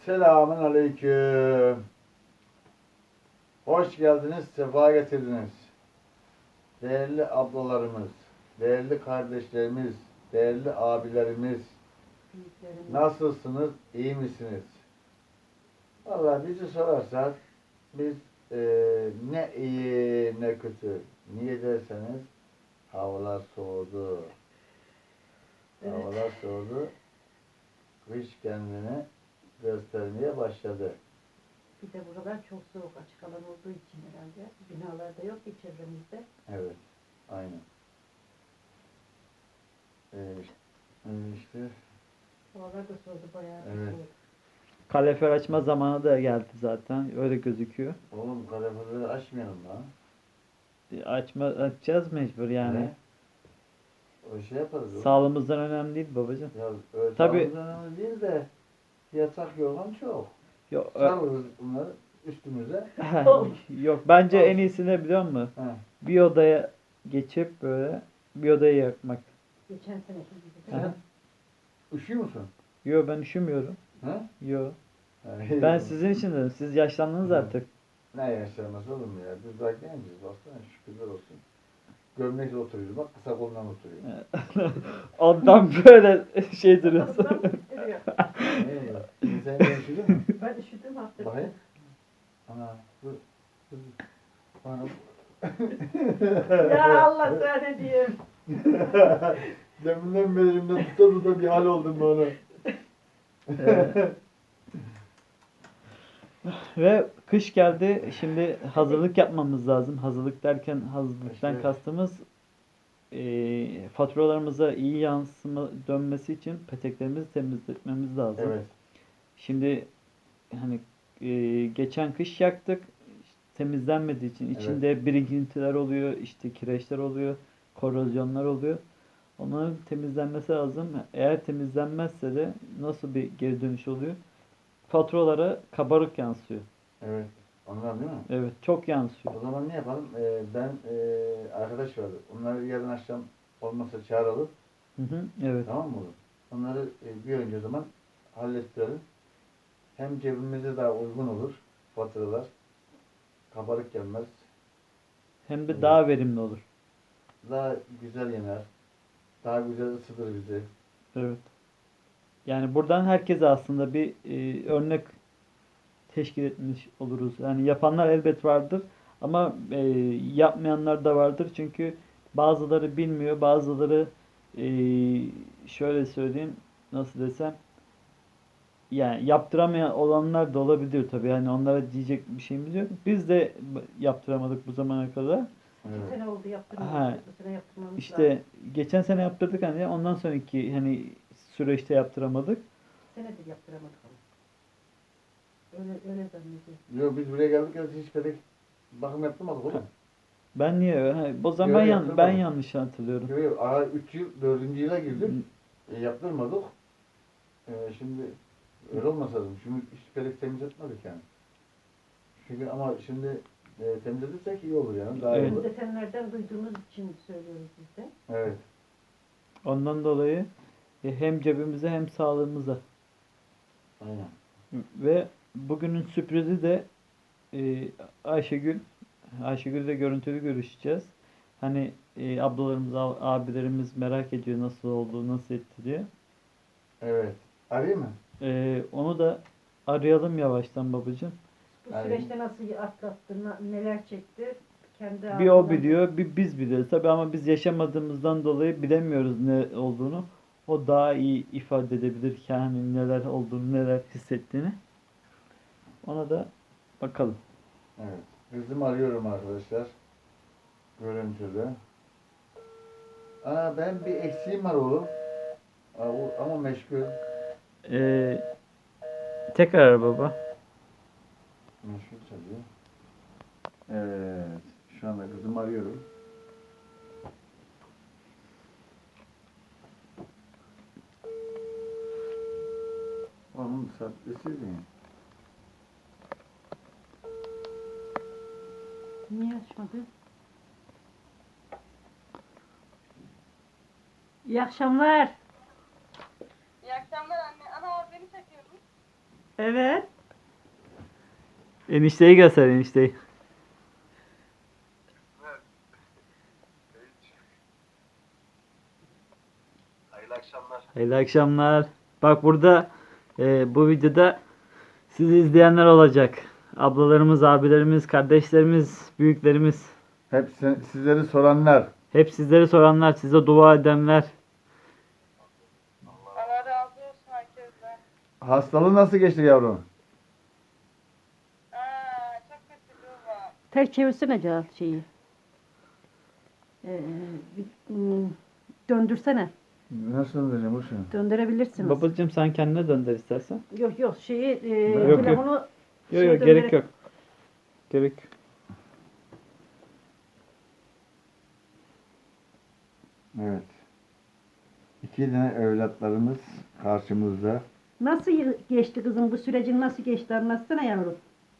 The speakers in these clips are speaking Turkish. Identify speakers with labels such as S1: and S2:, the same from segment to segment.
S1: Selamun aleyküm. Hoş geldiniz, sefa getirdiniz. Değerli ablalarımız, değerli kardeşlerimiz, değerli abilerimiz. Nasılsınız, iyi misiniz? Vallahi bizi sorarsak biz ne iyi ne kötü. Niye derseniz havalar soğudu.
S2: Evet.
S1: Havalar soğudu. Kış kendini göstermeye başladı.
S2: Bir de buralar çok soğuk, açık alan olduğu için herhalde. Binalarda yok ki çevremizde.
S1: Evet, aynen. İşte
S2: Havalar da soğudu, bayağı bir
S1: Evet.
S2: soğuk.
S3: Kalorifer açma zamanı da geldi zaten. Öyle gözüküyor.
S1: oğlum kaloriferleri açmayalım lan.
S3: Açacağız mecbur yani.
S1: Ne? O şey yaparız. oğlum.
S3: Sağlığımızdan önemli değil babacığım.
S1: Ya öyle
S3: Tabii.
S1: sağlığımız önemli değil de yatak yorgan çok.
S3: Yok,
S1: Sarılırız bunları üstümüze.
S3: yok bence en iyisi ne biliyor musun?
S1: He.
S3: Bir odaya geçip böyle bir odayı yakmak.
S2: Geçen seneki gibi.
S3: Aha.
S2: de.
S1: Üşüyor musun?
S3: Yo ben üşümüyorum.
S1: He?
S3: Yo.
S1: He.
S3: Ben sizin için dedim. Siz yaşlandınız
S1: Hı.
S3: artık.
S1: Ne yaşlanması oğlum ya? Biz daha genciz baksana şükürler olsun. Gömlekle oturuyoruz bak kısa kolundan oturuyor.
S3: Ondan böyle şey duruyorsun.
S2: Kafamdan titriyor.
S1: Sen de üşüdün mü?
S2: Ben üşüdüm hafta.
S1: Bakayım. Ana dur. Dur. Bana
S2: Ya Allah sana ne diyeyim.
S1: Deminden beri elimden tuta bir hal oldum bana.
S3: Ve kış geldi. Şimdi hazırlık yapmamız lazım. Hazırlık derken hazırlıktan
S1: İşte.
S3: kastımız faturalarımıza iyi yansıma dönmesi için peteklerimizi temizletmemiz lazım.
S1: Evet.
S3: Şimdi hani geçen kış yaktık. Temizlenmediği için
S1: Evet.
S3: içinde birikintiler oluyor, işte kireçler oluyor, korozyonlar oluyor. Onların temizlenmesi lazım. Eğer temizlenmezse de nasıl bir geri dönüş oluyor? Faturalara kabarık yansıyor.
S1: Evet. Ondan değil mi?
S3: Evet, çok yansıyor.
S1: O zaman ne yapalım? Ben arkadaş vardı. Onları yarın akşam olmasa çağıralım.
S3: Hı hı, evet.
S1: Tamam mı oğlum? Onları bir önce o zaman hallettirelim. Hem cebimize daha uygun olur faturalar. Kabarık gelmez.
S3: Hem de
S1: Evet.
S3: daha verimli olur.
S1: Daha güzel yener. Daha güzel ısıtır bizi.
S3: Evet. Yani buradan herkese aslında bir örnek teşkil etmiş oluruz. Yani yapanlar elbet vardır ama yapmayanlar da vardır. Çünkü bazıları bilmiyor, bazıları e, şöyle söyleyeyim, nasıl desem, yani yaptıramayan olanlar da olabilir tabii. Yani onlara diyecek bir şeyimiz yok. Biz de yaptıramadık bu zamana kadar.
S2: İki
S1: Evet.
S2: sene oldu yaptırmamız.
S3: Ha,
S2: Bu sene yaptırmamız
S3: İşte
S2: lazım.
S3: geçen sene yaptırdık hani ondan sonraki hani süreçte yaptıramadık.
S2: İki senedir yaptıramadık ama. Öyle zannediyorum.
S1: Yok biz buraya geldik ya hiç pek bakım yaptırmadık oğlum.
S3: Ben niye? O zaman
S1: Yok,
S3: ben
S1: yaptırmadım.
S3: yanlış hatırlıyorum.
S1: Yok yok. Ara 3 yıl 4. yıla girdim. Yaptırmadık. Şimdi öyle olmasa lazım. Şimdi hiç pek temiz etmedik yani. Çünkü ama şimdi temizletirsek iyi olur yani. Daha iyi
S3: Evet.
S1: olur.
S2: Detenlerden duyduğumuz için söylüyoruz biz de.
S1: Evet.
S3: Ondan dolayı hem cebimize hem sağlığımıza.
S1: Aynen.
S3: Ve bugünün sürprizi de Ayşegül. Ayşegül'le görüntülü görüşeceğiz. Hani ablalarımız, abilerimiz merak ediyor nasıl oldu, nasıl etti diye.
S1: Evet. Arayayım mı?
S3: Onu da arayalım yavaştan babacığım.
S2: Bu
S1: Yani-
S2: süreçte nasıl atlattı, neler çekti kendi
S3: Bir o
S2: ağzından-
S3: biliyor, bir biz biliyoruz. Tabii ama biz yaşamadığımızdan dolayı bilemiyoruz ne olduğunu. O daha iyi ifade edebilir yani neler olduğunu, neler hissettiğini. Ona da bakalım.
S1: Evet. Kızımı arıyorum arkadaşlar. Görüntülü. Ben bir eksiğim var oğlum. Ama meşgul.
S3: Tekrar ara baba.
S1: Meşgul çalıyor. Evet. Şu anda kızımı arıyorum. Onun sahtesi mi?
S2: Niye açmadı? İyi akşamlar.
S4: İyi akşamlar anne. Ana beni çekiyordun.
S2: Evet.
S3: Enişteyi göster enişteyi.
S1: Hayırlı akşamlar.
S3: Hayırlı akşamlar. Bak burada bu videoda sizi izleyenler olacak. Ablalarımız, abilerimiz, kardeşlerimiz, büyüklerimiz.
S1: Hep sizleri soranlar.
S3: Hep sizleri soranlar, size dua edenler.
S4: Allah razı olsun herkesten.
S1: Hastalığı nasıl geçti yavrum?
S4: Çok kötü baba.
S2: Ters çevirsene Cahat şeyi. Döndürsene.
S1: Nasıl döneceğim Burcu?
S2: Döndürebilirsiniz.
S3: Babacığım sen kendine dönder istersen.
S2: Yok yok şeyi
S3: Yok,
S2: telefonu
S3: Yok
S2: şeye
S3: yok
S2: döndürerek-
S3: gerek yok. Gerek yok.
S1: Evet. İki tane evlatlarımız karşımızda.
S2: Nasıl geçti kızım bu sürecin nasıl geçti anlatsana yavrum.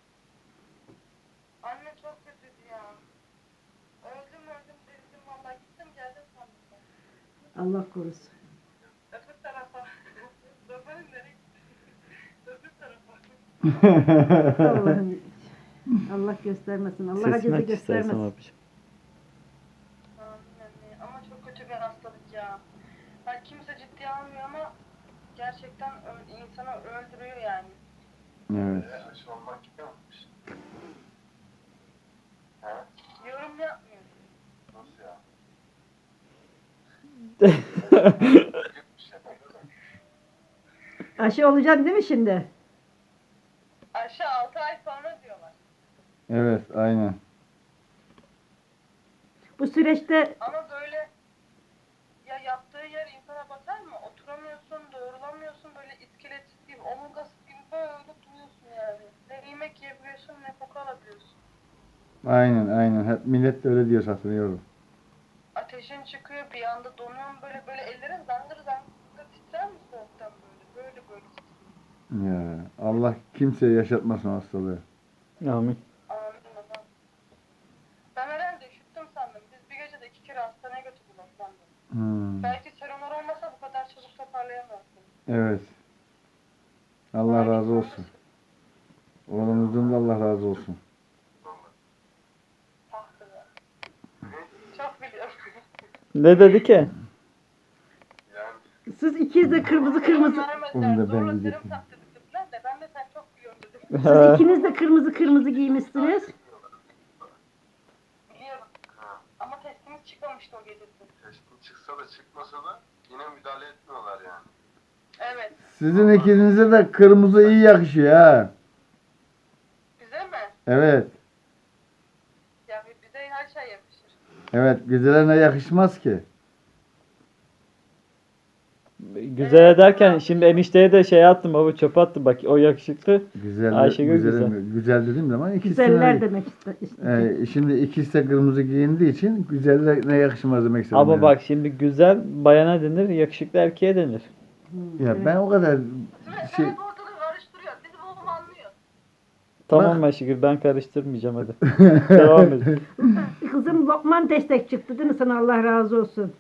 S4: Anne çok kötüydü ya. Öldüm dedim valla gittim geldim sandım.
S2: Allah korusun.
S4: Öbür tarafa. Babanın nereye gitti? Öbür tarafa.
S2: Allah'ım. Allah göstermesin. Allah
S3: Sesini
S2: acısı
S3: aç istersen
S2: göstermesin.
S3: babacığım.
S4: Amin anne. Ama çok kötü bir hastalık ya. Yani kimse ciddiye almıyor ama gerçekten insanı öldürüyor yani.
S1: Evet.
S4: Yorum yapmıyor.
S2: Aşı olacaksın değil mi şimdi?
S4: Aşağı 6 ay sonra diyorlar.
S1: Evet, aynen.
S2: Bu süreçte
S4: Ama böyle ya yattığı yer insana batar mı? Oturamıyorsun, doğrulamıyorsun, böyle iskeletsiz gibi, omurgasız gibi böyle duruyorsun yani. Ne yemek yiyebiliyorsun ne koku alabiliyorsun.
S1: Aynen. Hep millet de öyle diyor hatırlıyorum.
S4: Ateşin çıkıyor, bir anda donuyorsun böyle ellerin zangır zangır titrer mi soğuktan böyle titriyor.
S1: Ya Allah kimseye yaşatmasın o hastalığı.
S3: Amin.
S4: Amin babam. Ben herhalde üşüttüm sandım. Biz bir gecede 2 kere hastaneye götürdüler sandım. Belki seronlar olmasa bu kadar çabuk toparlayamazsın.
S1: Evet. Allah razı olsun. Oğlumuzdan da Allah razı olsun.
S4: Tahtı ya. Çok biliyorum.
S3: Ne dedi ki?
S2: siz ikiniz de kırmızı kırmızı
S1: Onu da ben
S4: Zorla serum
S1: diyecektim.
S4: taktırdık dediler de ben de sen çok biliyorsun dedim.
S2: siz ikiniz de kırmızı kırmızı giymişsiniz.
S4: Biliyorum. Ama testimiz çıkmamıştı o gecesi.
S5: Testin çıksa da çıkmasa da yine müdahale etmiyorlar yani.
S4: Evet.
S1: Sizin ikinize de kırmızı iyi yakışıyor ha.
S4: Bize mi?
S1: Evet.
S4: Ya bize her şey yakışır.
S1: Evet, güzeline yakışmaz ki.
S3: Güzel ederken şimdi enişteye de şey attım baba, çöpe attım bak, o yakışıklı.
S1: Güzel,
S3: Ayşegül
S1: güzel dediğim zaman ikisine...
S2: Güzeller demek istedim.
S1: Şimdi ikisi de kırmızı giyindiği için güzellerine yakışmaz demek istedim.
S3: Ama
S1: yani.
S3: bak şimdi güzel bayana denir, yakışıklı erkeğe denir.
S1: Ya ben o kadar şey...
S4: Sen hep ortalığı karıştırıyor. Bizim oğlum anlıyor.
S3: Tamam Ayşegül, ben karıştırmayacağım hadi. Devam edin.
S2: Kızım Lokman destek çıktı değil mi sana Allah razı olsun.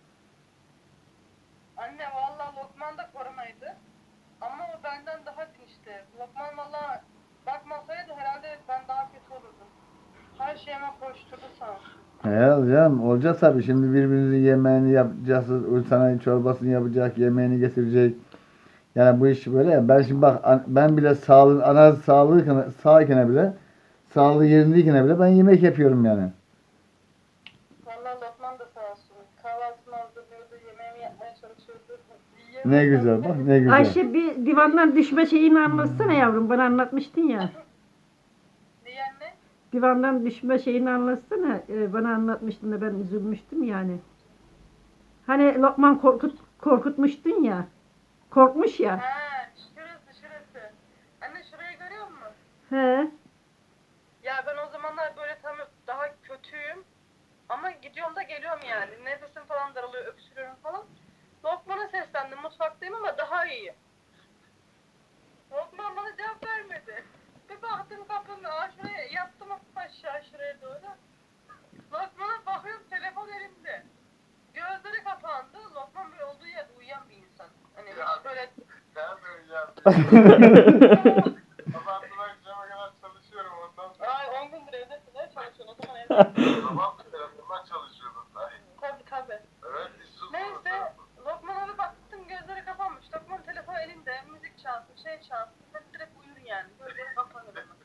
S4: Anne vallahi Lokman da koronaydı. Ama o benden daha dinçti. Lokman vallahi bakmasaydı herhalde ben daha kötü olurdum. Her şeyime koşturdu sağ olsun.
S1: Herhalde canım olacak tabii. Şimdi birbirinizin yemeğini yapacaksınız. Sana çorbasını yapacak, yemeğini getirecek. Yani bu iş böyle ya. Ben şimdi bak ben bile ana sağken bile sağlığı yerindeyken bile ben yemek yapıyorum yani.
S4: Vallahi Lokman da sağ olsun. Kahvaltımı hazırlıyordu, yemeğimi yapmaya çalışıyordu.
S1: Ne güzel bak ne güzel.
S2: Ayşe bir divandan düşme şeyini anlatsana yavrum. Bana anlatmıştın ya.
S4: Niye anne?
S2: Divandan düşme şeyini anlatsana. Bana anlatmıştın da ben üzülmüştüm yani. Hani Lokman korkutmuştun ya. Korkmuş ya.
S4: Ha, şurası. Anne şurayı görüyor musun?
S2: He.
S4: Ya ben o zamanlar böyle tam daha kötüyüm. Ama gidiyorum da geliyorum yani. Nefesim falan daralıyor, öksürüyorum falan. Lokman'a seslendim. Mutfaktayım ama daha iyiyim. Lokman bana cevap vermedi. Bir baktım kapının şuraya yattım aşağı şuraya doğru. Lokman'a bakıyorum telefon elimde. Gözleri kapandı. Lokman böyle olduğu yerde uyuyan bir insan. Hani hiç böyle
S5: Ben söyleyeceğim. Sabahtan akşama kadar çalışıyorum ondan sonra.
S4: Ay 10 gündür evdesin. Ne çalışıyorsun? O zaman evde.
S5: Sabah telefondan çalışıyordum ben.
S4: Tabii.
S5: Evet, hiç susmadı
S4: Neyse.
S5: telefon.
S4: Lokman abi baktım gözleri kapanmış. Lokman telefon elinde. Müzik çalsın, şey çalsın. Sen direkt uyur yani. Gözleri kapanır hemen.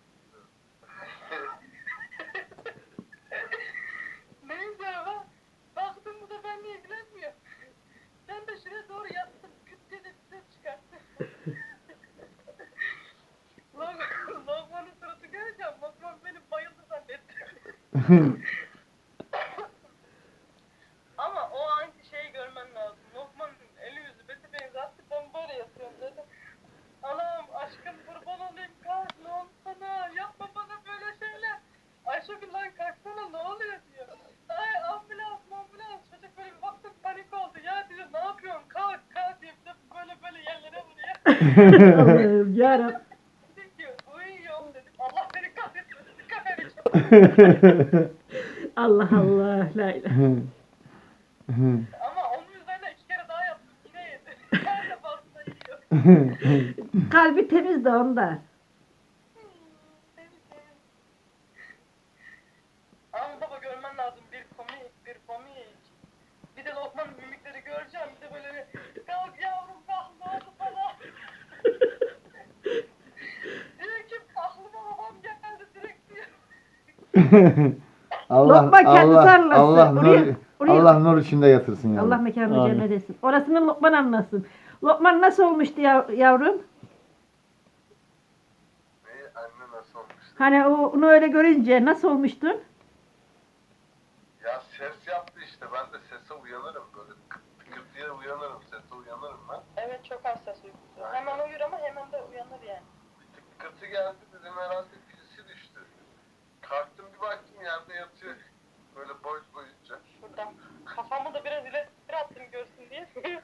S4: Neyse ama baktım bu da benimle ilgilenmiyor. Ben de şuraya doğru yattım. Küt diye de bir ses çıkarttı. Lokman'ın suratı göreceğim. Lokman beni bayıldı zannetti. Ama o anki şeyi görmen lazım. Lokman'ın eli yüzü beti benzetti. Ben böyle yatıyorum dedim. Anam aşkım kurban olayım kalk ne oldu sana? Yapma bana böyle şeyler. Ayşegül lan kalksana ne oluyor diyor. Ay ambulans. Çocuk böyle bir baktım panik oldu. Ya diyor ne yapıyorsun kalk diye bir de böyle yerlere vuruyor.
S2: Allah'ım yarabbim.
S4: Diyor uyuyorum dedim. Allah beni kahretmesin. Kahretmesin.
S2: Allah Allah. La ilahe.
S4: Ama onun üzerine 2 kere daha yaptım. Yine yedi. Her defasında yiyor.
S2: Kalbi temiz de onda.
S4: Ama baba görmen lazım bir komik. Bir de Lokman'ın mimikleri göreceğim. Bir de böyle bir kalk yavrum kalk ne oldu sana? Diyor ki aklıma babam geldi direkt diyor.
S2: Lokman kendisi anlasın.
S1: Allah
S2: Oraya-
S1: nur,
S2: oraya-
S1: Allah nur içinde yatırsın
S2: Allah
S1: yavrum.
S2: mekanını
S3: Amin.
S2: cennet etsin. Orasını Lokman anlasın. Lokman nasıl olmuştu yavrum?
S5: Neyi anne nasıl olmuş?
S2: Hani onu öyle görünce nasıl olmuştun?
S5: Ya ses yaptı işte. Ben de sese uyanırım böyle. Tıkır diye uyanırım. Sese uyanırım ben.
S4: Evet çok hassas uykusu. Hemen uyur ama hemen de uyanır yani.
S5: Bir tıkırtı geldi dedim herhalde birisi düştü. Kalktım bir baktım yerde yatıyor. Böyle boyunca.
S4: Şuradan kafamı da biraz ileri attım görsün diye.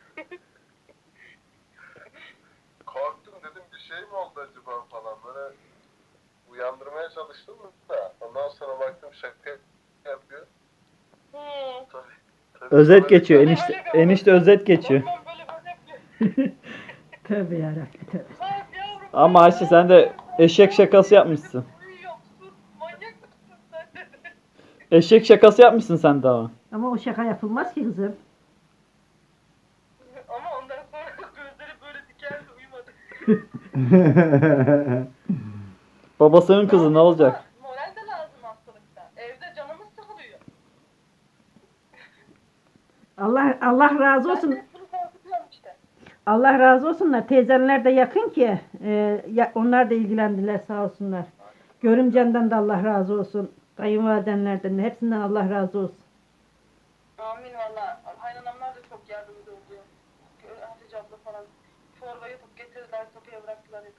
S5: Korktum dedim bir şey mi oldu acaba falan. Böyle uyandırmaya çalıştım da. Ondan sonra baktım şaka yapıyor. Tabii
S3: Özet
S5: sonra-
S3: geçiyor. Enişte özet geçiyor.
S4: Lokman böyle yapıyor.
S2: Tövbe yarabbim tövbe.
S4: Kalk yavrum.
S3: Ama Ayşe sen de eşek şakası yapmışsın.
S4: Uyuyorum sus manyak mısın sen dedi.
S3: Eşek şakası yapmışsın sen de ama.
S2: Ama o şaka yapılmaz ki kızım.
S4: Ama ondan sonra gözleri böyle dikeldi uyumadı.
S3: Babasının kızı ne olacak?
S4: Moral de lazım hastalıkta. Evde canımız sıkılıyor.
S2: Allah razı
S4: Ben
S2: olsun.
S4: de bunu korkutuyorum işte.
S2: Allah razı olsunlar. Teyzenler de yakın ki. Onlar da ilgilendiler sağ olsunlar. Görümcenden de Allah razı olsun. Kayınvalidenlerden de hepsinden Allah razı olsun.
S4: Amin valla. Kaynanamlar da çok yardımcı oluyor. Hatice abla falan. Çorba yapıp getirdiler kapıya bıraktılar hep.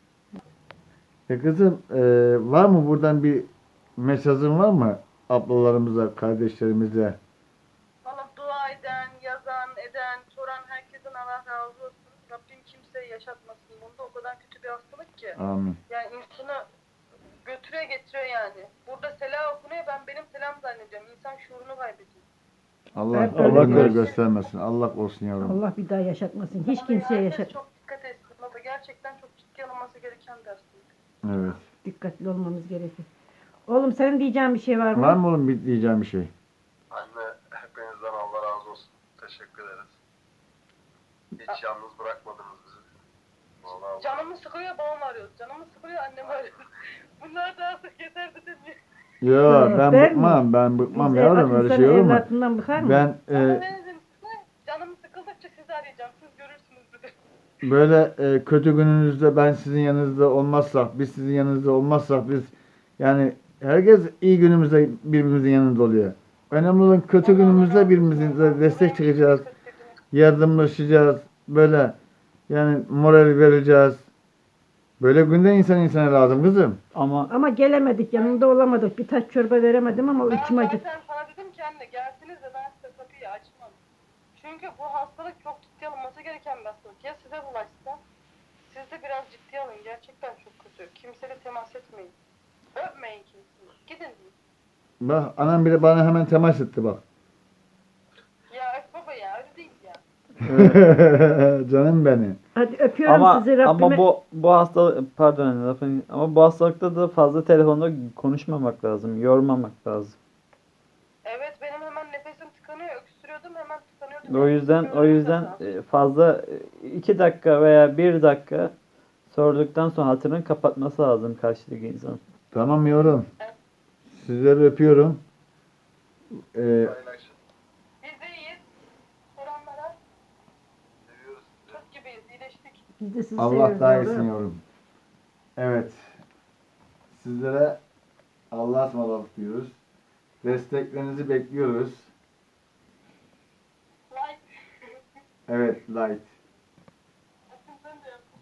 S1: Kızım var mı buradan bir mesajın var mı? Ablalarımıza, kardeşlerimize.
S4: Valla dua eden, yazan, eden, soran herkesten Allah razı olsun. Rabbim kimseye yaşatmasın. Bunda o kadar kötü bir hastalık ki.
S1: Amin.
S4: Yani insanı götürüyor getiriyor yani. Burada selam okunuyor ben benim selam zannediyorum. İnsan şuurunu kaybediyor.
S1: Allah
S2: Evet,
S1: Allah
S2: öyle
S1: böyle
S2: diyor.
S1: göstermesin. Allah olsun yavrum.
S2: Allah bir daha yaşatmasın. Hiç
S4: Ama
S2: kimseye
S4: herkes
S2: yaşat.
S4: çok dikkat etsin. Baba gerçekten çok ciddi alınması gereken bir hastalık.
S1: Evet.
S2: Dikkatli olmamız gerekir. Oğlum senin diyeceğin bir şey var mı?
S1: Var mı oğlum bir diyeceğim bir şey?
S5: Anne hepinizden Allah razı olsun. Teşekkür ederiz. Hiç yalnız bırakmadınız bizi. Vallahi
S4: Canımı sıkıyor babam arıyor. Canımı sıkıyor annem arıyor. Bunlar da artık yeter dedim ya.
S1: Yo ben
S2: Ben
S1: bıkmam. Ben bıkmam
S2: Biz
S1: yavrum öyle
S2: insan
S1: şey olur mu?
S2: evlatından bıkar mı?
S1: Ben
S4: Ama ne dedim size? Canım sıkıldıkça sizi arayacağım. Siz görürsünüz dedim.
S1: böyle kötü gününüzde ben sizin yanınızda olmazsak, biz sizin yanınızda olmazsak biz yani herkes iyi günümüzde birbirimizin yanında oluyor. Önemli olan kötü günümüzde birbirimize destek çıkacağız, yardımlaşacağız, böyle yani moral vereceğiz. Böyle günde insana lazım kızım.
S2: Ama gelemedik, yanında olamadık. Bir taş çorba veremedim ama o
S4: Ben
S2: içim acı.
S4: zaten sana dedim ki anne gelsiniz de ben size kapıyı açmam. Çünkü bu hastalık çok ciddi alınması gereken bir hastalık. Ya size bulaşsa siz de biraz ciddi alın. Gerçekten çok kötü. Kimseyle temas etmeyin. Öpmeyin kimseyi. Gidin deyin.
S1: Bak anam bile bana hemen temas etti bak.
S4: Ya öp baba ya öyle değil ya.
S1: Canım benim.
S2: Hadi öpüyorum
S3: Ama
S2: sizi Rabbime.
S3: ama bu hastalık, pardon anne, ama bu hastalıkta da fazla telefonda konuşmamak lazım, yormamak lazım.
S4: Evet benim hemen nefesim tıkanıyor. Öksürüyordum hemen tıkanıyordum.
S3: O yüzden fazla 2 dakika veya 1 dakika sorduktan sonra hatırını kapatması lazım karşıdaki insan.
S1: Tamam yorum. Sizleri öpüyorum.
S5: Paylaşın.
S4: Biz de iyiyiz. Soranlara
S5: Seviyoruz sizi.
S4: Türk gibiyiz. İyileştik.
S2: Biz de sizi
S1: Allah
S2: seviyoruz
S1: daha
S2: yavrum.
S1: iyisin yorum. Evet. Sizlere Allah'a ısmarladık diyoruz. Desteklerinizi bekliyoruz.
S4: Like.
S1: Evet, light.
S4: Sen de yap.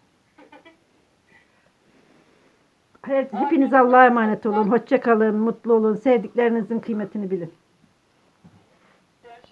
S2: Hepiniz Allah'a emanet olun. Hoşça kalın, mutlu olun. Sevdiklerinizin kıymetini bilin.